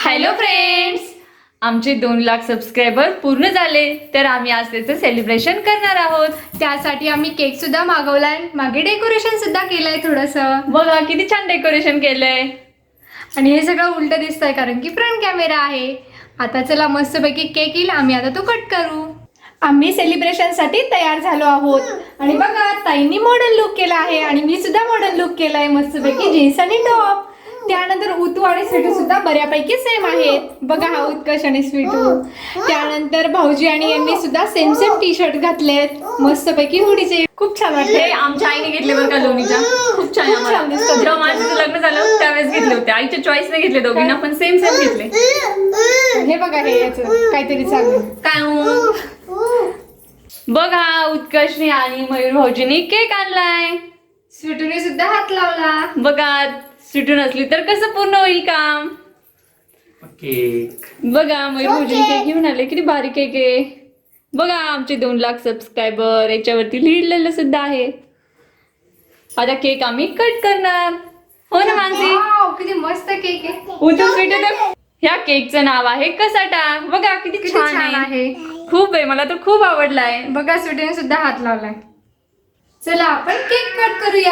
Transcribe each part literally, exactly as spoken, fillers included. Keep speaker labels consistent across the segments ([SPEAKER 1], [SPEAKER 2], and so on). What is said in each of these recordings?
[SPEAKER 1] Hello friends, आमचे दोन lakh subscriber पूर्ण झाले तर आम्ही आज त्याचं सेलिब्रेशन करणार आहोत.
[SPEAKER 2] त्यासाठी आम्ही केक सुद्धा मागवलाय, मागे डेकोरेशन सुद्धा केलंय थोडंसं.
[SPEAKER 1] बघा किती छान डेकोरेशन केलंय.
[SPEAKER 2] आणि हे सगळं उलट दिसतंय कारण की फ्रंट कॅमेरा आहे. आता चला मस्तपैकी केक येईल, आम्ही आता तो कट करू. आम्ही सेलिब्रेशन साठी तयार झालो आहोत आणि बघा ताईंनी मॉडर्न लुक केला आहे आणि मी सुद्धा मॉडर्न लुक केलाय, मस्तपैकी जीन्स आणि टॉप. त्यानंतर उतू आणि स्वीटू सुद्धा बऱ्यापैकी सेम आहेत. बघा हा उत्कर्ष आणि स्वीटू. त्यानंतर भाऊजी आणि यांनी सुद्धा सेम सेम टी शर्ट घातलेत, मस्तपैकी हुडीचे. खूप छान वाटते.
[SPEAKER 1] हे आमच्या आईने घेतले बरं का लोणीच्या. खूप छान आहे.
[SPEAKER 2] छान दिसतं.
[SPEAKER 1] जेव्हा माझं लग्न झालं त्यावेळेस घेतले होते. आईच्या चॉईसने घेतले, दोघींना पण सेम सेम घेतले.
[SPEAKER 2] हे बघा हे याचं काहीतरी चालू
[SPEAKER 1] काय हो? बघा उत्कर्षने आणि मयूर भाऊजीने केक आणलाय.
[SPEAKER 2] स्वीटूने सुद्धा हात लावला.
[SPEAKER 1] बघा स्वीटू नसली तर कसं पूर्ण होईल काम.
[SPEAKER 3] केक
[SPEAKER 1] बघा मयूर भाऊजीने केक घेऊन आले, किती भारी केक आहे. बघा आमचे दोन लाख सबस्क्रायबर याच्यावरती लिहिलेलं सुद्धा आहे. आता केक आम्ही कट करणार. हो ना मानसी?
[SPEAKER 2] वाव, किती मस्त केक आहे.
[SPEAKER 1] उतू स्वीटू तर ह्या केकचं नाव आहे कसाटा. बघा किती
[SPEAKER 2] किती
[SPEAKER 1] छान
[SPEAKER 2] छान
[SPEAKER 1] आहे.
[SPEAKER 2] आहे.
[SPEAKER 1] खूप आहे, मला तर खूप आवडलाय.
[SPEAKER 2] बघा स्वीटूने सुद्धा हात लावलाय. चला आपण केक कट करूया.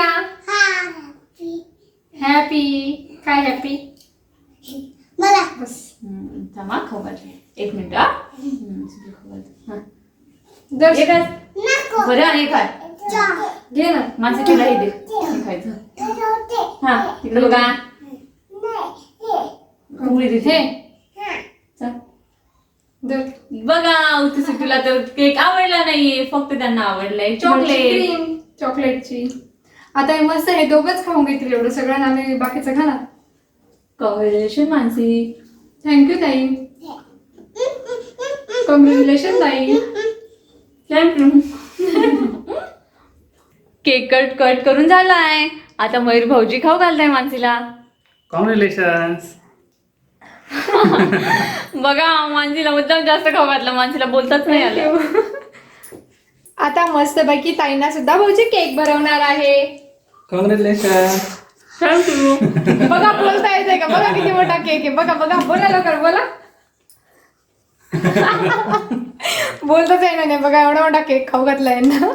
[SPEAKER 2] हॅपी काय हॅपी
[SPEAKER 4] मला
[SPEAKER 2] बस.
[SPEAKER 1] थांबा खाऊ घालते. एक मिनिट हा. हा.
[SPEAKER 2] दर्श-
[SPEAKER 1] हे काय?
[SPEAKER 4] नको
[SPEAKER 1] बरं आणि काय
[SPEAKER 2] घे ना.
[SPEAKER 1] माणसं तिला हे दे. हे खायचं. हा तिकडे बघा. उघडी देते.
[SPEAKER 2] हे
[SPEAKER 1] चल.
[SPEAKER 2] दर.
[SPEAKER 1] बघा उतू तुला तर केक आवडला नाहीये, फक्त त्यांना आवडलाय चॉकलेट.
[SPEAKER 2] क्रीम चॉकलेटची. आता हे मस्त हे दोघच खाऊन घेतील एवढं सगळं, आम्ही बाकीचं खाणार.
[SPEAKER 1] कॉंग्रॅच्युलेशन मानसी.
[SPEAKER 2] थँक्यू ताई. कॉंग्रॅच्युलेशन ताई.
[SPEAKER 1] थँक्यू. केक कट कट करून झालाय. आता मयूर भाऊजी खाऊ घालताय मानसीला.
[SPEAKER 3] कॉंग्रॅच्युलेशन्स.
[SPEAKER 1] बघा मानसीला मुद्दाम जास्त खाऊ घातलं, मानसीला बोलताच नाही आलं.
[SPEAKER 2] आता मस्तपैकी ताईंना सुद्धा भाऊजी केक बनवणार आहे.
[SPEAKER 3] कॉंग्रॅच्युलेशन.
[SPEAKER 1] थँक्यू.
[SPEAKER 2] बघा बोलता येते का? बघा किती मोठा केक आहे. बघा बघा बोला लवकर बोला. बोलताच आहे ना. बघा एवढा मोठा केक खाऊ घातलाय ना.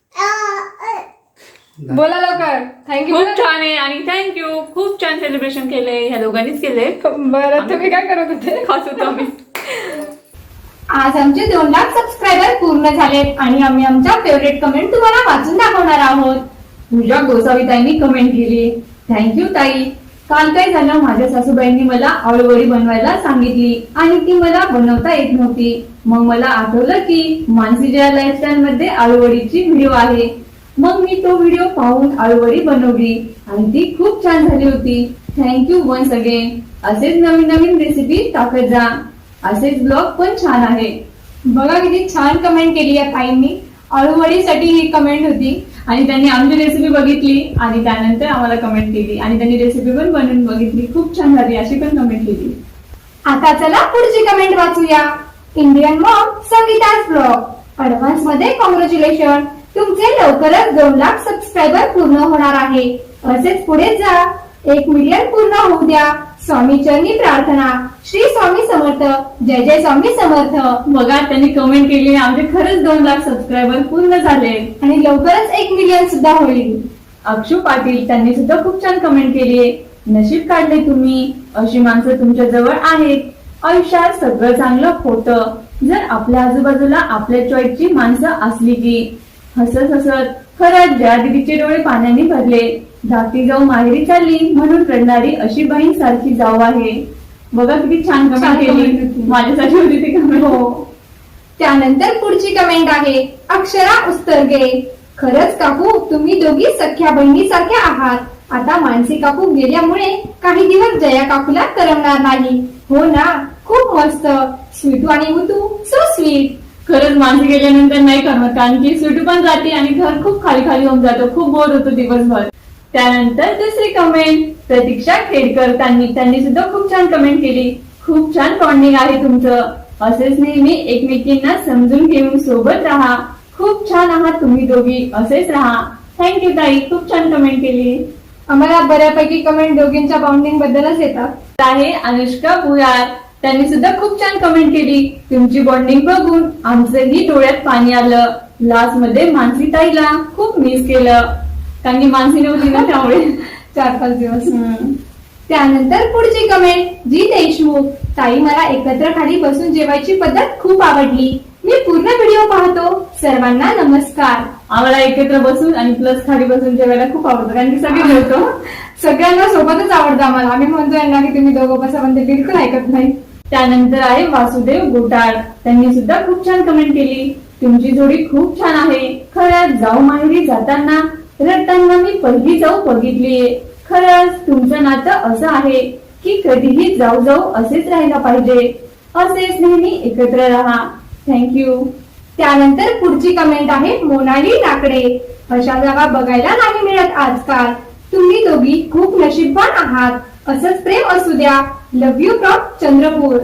[SPEAKER 2] बोला लवकर. थँक्यू.
[SPEAKER 1] खूप छान आहे आणि थँक्यू. खूप छान सेलिब्रेशन केलंय, ह्या दोघांनीच केलंय.
[SPEAKER 2] बरं तुम्ही काय करत होते?
[SPEAKER 1] खास होतो आम्ही.
[SPEAKER 2] आज आमचे दोन लाख सबस्क्रायबर पूर्ण झालेत आणि आम्ही आमच्या फेवरेट कमेंट तुम्हाला वाचून दाखवणार आहोत.
[SPEAKER 1] पूजा गोसावी ताईंनी कमेंट केली. थँक्यू ताई. काल काय झालं, माझ्या सासूबाईंनी मला आळूवडी बनवायला सांगितली आणि ती मला बनवता येत नव्हती. मग मला आठवलं की मानसीच्या लाईफस्टाईल मध्ये आळूवडीची व्हिडिओ आहे. मग मी तो व्हिडिओ पाहून आळूवडी बनवली आणि ती खूप छान झाली होती. Thank you once again. असेच नवीन नवीन रेसिपी टाकत जा. असेच ब्लॉग पण छान आहे.
[SPEAKER 2] बघा किती छान कमेंट केली या ताईंनी. आळूवडीसाठी ही कमेंट होती
[SPEAKER 1] आणि त्यांनी आमची रेसिपी बघितली आणि त्यानंतर आम्हाला कमेंट केली आणि त्यांनी रेसिपी पण बनवून बघितली, खूप छान झाली अशी पण कमेंट केली.
[SPEAKER 2] आता चला पुढची कमेंट वाचूया. Indian mom Sangeeta's blog. Advance मध्ये कॉंग्रॅच्युलेशन. तुमचे लवकरच दोन लाख सबस्क्रायबर पूर्ण होणार आहे. असेच पुढे जा. एक मिलियन पूर्ण होऊ द्या. स्वामी चरणी प्रार्थना. श्री स्वामी समर्थ. जय जय स्वामी समर्थ.
[SPEAKER 1] बघा त्यांनी कमेंट केली, आमचे खरंच दोन लाख सबस्क्रायबर पूर्ण झाले
[SPEAKER 2] आणि लवकरच एक मिलियन सुद्धा होईल.
[SPEAKER 1] अक्षू पाटील त्यांनी सुद्धा खूप छान कमेंट केली. नशीब काढले तुम्ही, अशी माणसं तुमच्या जवळ आहेत. आयुष्यात सगळं चांगलं होतं जर आपल्या आजूबाजूला आपल्या चॉईसची माणसं असली की. हसत हसत खरंच जया दीदीचे डोळे पाण्याने भरले. धाकटी जाऊ माहेरी चालली म्हणून रडणारी अशी बहीण सारखी जाऊ आहे. बघा किती छान
[SPEAKER 2] छान
[SPEAKER 1] कमेंट
[SPEAKER 2] comment
[SPEAKER 1] केली.
[SPEAKER 2] होती.
[SPEAKER 1] माझ्यासाठी होती ती कमेंट.
[SPEAKER 2] हो. त्यानंतर पुढची कमेंट आहे अक्षरा उस्तरगे. खरंच काकू तुम्ही दोघी सख्या बहिणी सारख्या आहात. आता मानसी काकू गेल्यामुळे काही दिवस जया काकूला करमणार नाही. हो ना. खूप मस्त. स्वीटू आणि उतू सो स्वीट.
[SPEAKER 1] खरंच माणसं गेल्यानंतर नाही करमत, कारण की स्वीटू पण जाते आणि घर खूप खाली खाली होऊन जातो, खूप बोर होतो दिवसभर. त्यानंतर दुसरी कमेंट प्रतीक्षा खेडकर त्यांनी त्यांनी सुद्धा खूप छान कमेंट केली. खूप छान बॉन्डिंग आहे तुमचं. असेच नेहमी एकमेकींना समजून घेऊन सोबत राहा. खूप छान आहात तुम्ही दोघी, असेच राहा. थँक्यू ताई, खूप छान कमेंट केली.
[SPEAKER 2] आम्हाला बऱ्यापैकी कमेंट दोघींच्या बाउंडिंग बद्दलच येतात.
[SPEAKER 1] आहे अनुष्का भुयार, त्यांनी सुद्धा खूप छान कमेंट केली. तुमची बॉन्डिंग बघून आमचंही डोळ्यात पाणी आलं. लास्ट मध्ये मानसी ताईला खूप मिस केलं, कारण की मानसी नव्हती ना त्यामुळे.
[SPEAKER 2] चार पाच दिवस.
[SPEAKER 1] हम्म.
[SPEAKER 2] त्यानंतर पुढची कमेंट जी देशमुख, ताई मला एकत्र खाली बसून जेवायची पद्धत खूप आवडली. मी पूर्ण व्हिडिओ पाहतो. सर्वांना नमस्कार.
[SPEAKER 1] आम्हाला एकत्र बसून आणि प्लस खाली बसून जेवायला खूप आवडतं, कारण की सगळे मिळतो.
[SPEAKER 2] सगळ्यांना सोबतच आवडतं आम्हाला. आम्ही म्हणतो यांना की तुम्ही दोघं बसा, पण ते बिलकुल ऐकत नाही.
[SPEAKER 1] त्यानंतर आहे वासुदेव गोटाळ, त्यांनी सुद्धा खूप छान कमेंट केली. तुमची जोडी खूप छान आहे. खरंच जाऊ माहेरी जाताना रडताना मी पहिली जाऊ बघितलीये. खरंच तुमचं नातं असं आहे की कधीही जाऊ जाऊ असेच राहायला पाहिजे. असेच नेहमी एकत्र राहा. थँक्यू.
[SPEAKER 2] त्यानंतर पुढची कमेंट आहे मोनाली लाकडे. अशा जागा बघायला नाही मिळत आजकाल. तुम्ही दोघी खूप नशीबवान आहात. असंच प्रेम असू द्या. Love you from Chandrapur.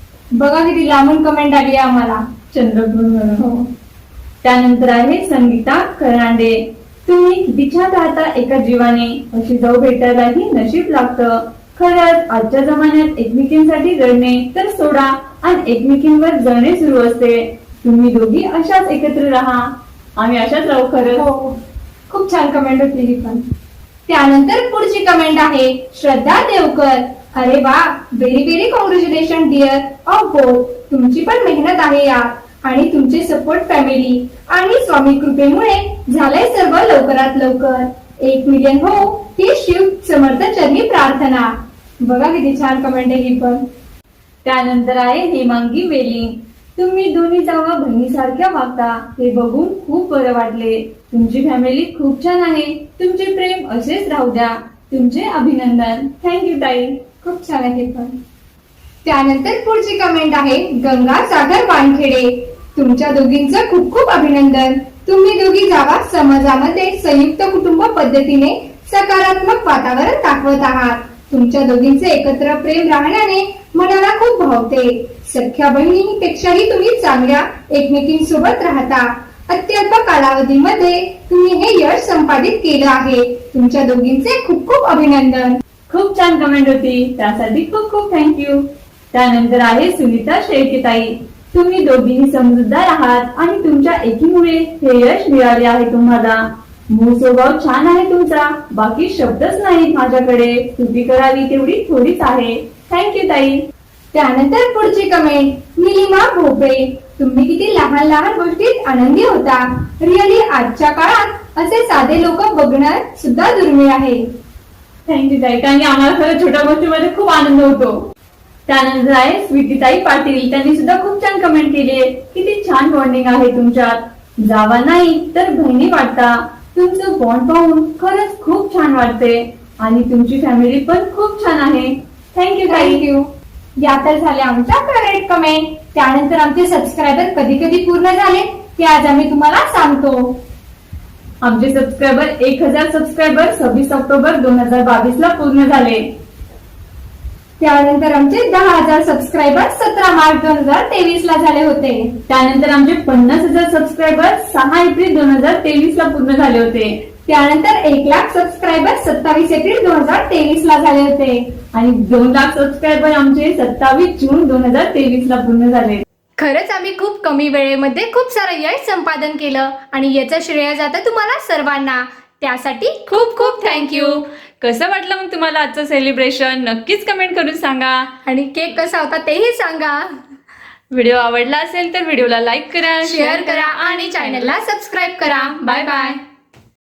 [SPEAKER 2] बघा किती लांबून कमेंट आली आहे आम्हाला.
[SPEAKER 1] चंद्रपूर.
[SPEAKER 2] हो.
[SPEAKER 1] त्यानंतर आहे संगीता करांडे, तुम्ही किती छान राहता एका जीवाने. अशी जाऊ भेटायलाही नशीब लागतं. खरंच आजच्या जमान्यात एकमेकींसाठी रडणे तर सोडा आणि एकमेकींवर जळणे सुरू असते. तुम्ही दोघी अशाच एकत्र राहा. आम्ही अशाच राहू. खरंच
[SPEAKER 2] हो. खूप छान कमेंट होती ही पण. त्यानंतर पुढची कमेंट आहे श्रद्धा देवकर. अरे वा, very very congratulation dear of both. तुमची पण मेहनत आहे यात आणि तुमचे सपोर्ट फॅमिली आणि स्वामी कृपेमुळे झालंय सर्व लवकरात लवकर. एक मिलियन हो ही शिव समर्थ चरणी प्रार्थना. बघा किती छान कमेंट आहे ही पण.
[SPEAKER 1] त्यानंतर आहे हेमांगी वेलिंग, तुम्ही दोन्ही जावा बहिणीसारख्या वागता. हे बघून खूप बरं वाटले. तुमची फॅमिली खूप छान आहे. तुमचे प्रेम असेच राहू द्या. तुमचे अभिनंदन. थँक्यू ताई.
[SPEAKER 2] खूप छान आहे पण. त्यानंतर पुढची कमेंट आहे गंगा सागर वानखेडे. तुमच्या दोघींचं खूप खूप अभिनंदन. तुम्ही दोघी जावा समाजामध्ये संयुक्त कुटुंब पद्धतीने सकारात्मक वातावरण दाखवत आहात. तुमच्या दोघींचे एकत्र प्रेम राहण्याने मनाला खूप भावते. सख्या बहिणीपेक्षाही तुम्ही चांगल्या एकमेकींसोबत राहता. अत्यल्प कालावधीमध्ये तुम्ही हे यश संपादित केलं आहे. तुमच्या दोघींचे खूप खूप अभिनंदन.
[SPEAKER 1] खूप छान कमेंट होती, त्यासाठी खूप खूप थँक्यू. त्यानंतर आहे सुनीता शेळकेताई, तुम्ही दोघीही समजूतदार आहात आणि तुमच्या एकीमुळे हे यश मिळाले आहे तुम्हाला. मूळ स्वभाव छान आहे तुमचा. बाकी शब्दच नाहीत माझ्याकडे. स्तुती करावी तेवढी थोडीच आहे. थँक्यू ताई.
[SPEAKER 2] त्यानंतर पुढची कमेंट निलिमा भोपळे. तुम्ही किती लहान लहान गोष्टीत आनंदी होता. रिअली आजच्या काळात असे साधे लोक बघणं सुद्धा दुर्मिळ आहे.
[SPEAKER 1] थँक्यू ताई, कारण की आम्हाला खरं छोट्या गोष्टीमध्ये खूप आनंद होतो. त्यानंतर आहे स्वीटीताई पाटील, त्यांनी सुद्धा खूप छान कमेंट केली आहे. किती छान बॉन्डिंग आहे तुमच्यात. जावा नाही तर बहिणी वाटता. तुमचं बॉन्ड पाहून खरंच खूप छान वाटते आणि तुमची फॅमिली पण खूप छान आहे. थँक्यू ताई.
[SPEAKER 2] थँक्यू. या तर झाल्या आमच्या फेवरेट कमेंट. त्यानंतर आमचे सबस्क्रायबर कधी कधी पूर्ण झाले ते आज आम्ही तुम्हाला सांगतो.
[SPEAKER 1] आमचे सबस्क्रायबर एक हजार सबस्क्रायबर सव्वीस ऑक्टोबर दोन हजार बावीस ला पूर्ण झाले.
[SPEAKER 2] त्यानंतर आमचे दहा हजार सबस्क्रायबर सतरा मार्च दोन हजार तेवीस ला झाले होते.
[SPEAKER 1] त्यानंतर आमचे पन्नास हजार सबस्क्रायबर सहा एप्रिल दोन हजार तेवीस ला पूर्ण झाले होते.
[SPEAKER 2] त्यानंतर एक लाख सबस्क्रायबर सत्तावीस एप्रिल दोन हजार तेवीस ला झाले होते.
[SPEAKER 1] आणि दोन लाख सबस्क्रायबर आमचे सत्तावीस जून दोन हजार तेवीस ला पूर्ण झाले.
[SPEAKER 2] खरंच आम्ही खूप कमी वेळेमध्ये खूप सारं यश संपादन केलं आणि याचं श्रेय जातं तुम्हाला सर्वांना. त्यासाठी खूप खूप थँक्यू.
[SPEAKER 5] कसं वाटलं मग तुम्हाला आजचं सेलिब्रेशन? नक्कीच कमेंट करून सांगा.
[SPEAKER 2] आणि केक कसा होता तेही सांगा.
[SPEAKER 5] व्हिडिओ आवडला असेल तर व्हिडिओला लाईक करा,
[SPEAKER 2] शेअर करा आणि चॅनलला सबस्क्राईब करा. Bye bye.